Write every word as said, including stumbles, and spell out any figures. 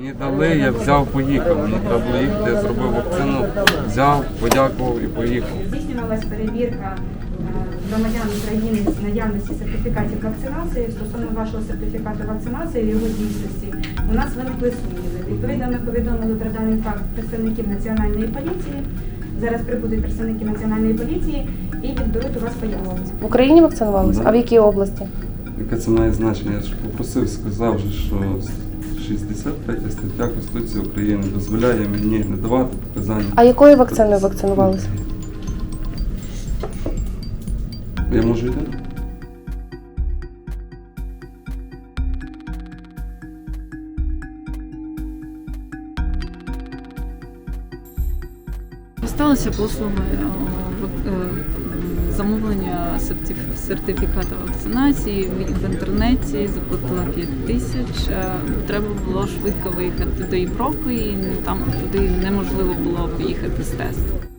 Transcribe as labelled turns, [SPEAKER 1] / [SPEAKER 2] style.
[SPEAKER 1] Мені дали, я взяв, поїхав. Мені треба було їхати, я зробив вакцину, взяв, подякував і поїхав.
[SPEAKER 2] Здійснювалась перевірка громадян України з наявності сертифікатів вакцинації. Стосовно вашого сертифікату вакцинації і його дійсності у нас виникли сумніви. Відповідно, ми повідомили про даний факт представників Національної поліції. Зараз прибудуть представники Національної поліції і відберуть у вас пояснення.
[SPEAKER 3] В Україні вакцинувалися? А в якій області?
[SPEAKER 1] Яке це має значення? Я ж попросив, сказав, же, що шістдесят третя стаття Конституції України дозволяє мені не давати показання.
[SPEAKER 3] А якою вакциною вакцинувалися?
[SPEAKER 1] Я можу йти?
[SPEAKER 4] Сталися послуги е, замовлення сертифікату вакцинації в інтернеті, заплатила п'ять тисяч. Треба було швидко виїхати до Європи, і там туди неможливо було поїхати з тесту.